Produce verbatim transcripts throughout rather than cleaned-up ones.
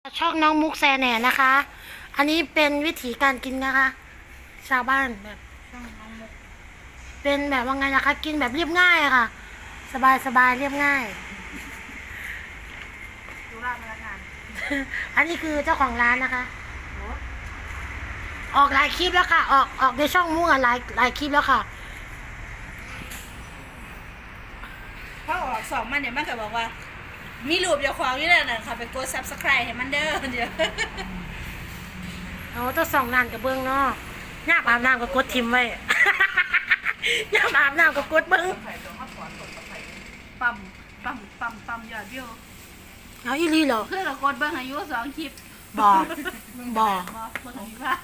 ช่องน้องมุกแซแหน่นะคะ อันนี้เป็นวิถีการกินนะคะ ชาวบ้านแบบช่องน้องมุกเป็นแบบว่าไงนะคะ กินแบบเรียบง่ายอะค่ะ สบายสบายเรียบง่ายดูร้านพนักงานอันนี้คือเจ้าของร้านนะคะ ออกหลายคลิปแล้วค่ะ ออกออกในช่องมุกอะหลายหลายคลิปแล้วค่ะพอออกสองมันเนี่ยมันก็บอกว่า มีรูปอย่าควางนี่แหละนะค่ะไปกด ซับสไครบ์ ให้มันเด้อเดี๋ยวเอาต้องส่องนานกับเบิ้งเนาะย่าอาบน้ำกับกดทิมไว้ ย่าอาบน้ำกับกดเบิ้งปั๊มปั๊มปั๊มปั๊มยอดวิวเอาอีหลีเหรอเพื่อเรากดเบิ้งอายุสองคลิปบ่ บ่บ่เบิ้งอายุค่ะ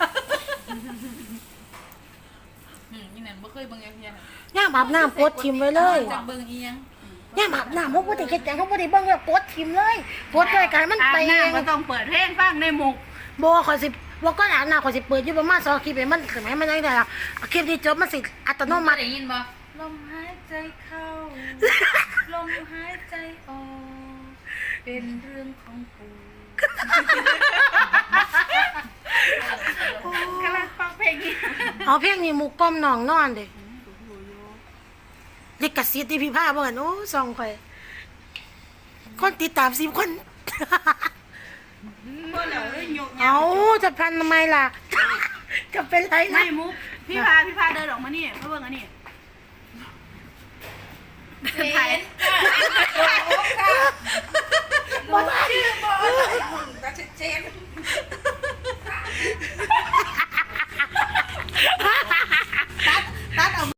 อืมนี่นั่นบ่เคยเบิ่งอย่างเทียนย่าอาบน้ำกดทิมไว้เลยจักเบิ่งอีหยังย่าอาบน้ำเขาบ่ได้เฮ็ดหยังเขาบ่ได้เบิ่งแล้วกดทิมเลยกดด้วยกันมันอาบไปเองน้ำก็ต้องเปิดเพลงฟังในหมุกบ่ขอยสิบ่ก็อาบน้ำขอยสิเปิดอยู่ประมาณสองคลิปให้มันถึงให้มันได้ล่ะคลิปนี้จบมันสิอัตโนมัติได้ยินบ่ลมหายใจเข้า ลมหายใจออก เป็นเรื่องของกูกำลังฟังเพลงนี้เอาเพลงนี้หมู่ก้มน้องนอนเด้ลิขสิทธิ์ที่พี่พาบ่หั่นโอ้ส่องข่อยคนติดตามสิบคนเมื่อเราได้ยกเอาจะพันทำไมล่ะ จะเป็นไรนะไม่มุกพี่พาพี่พาเดินออกมานี่เพื่อเบิ่งอันนี้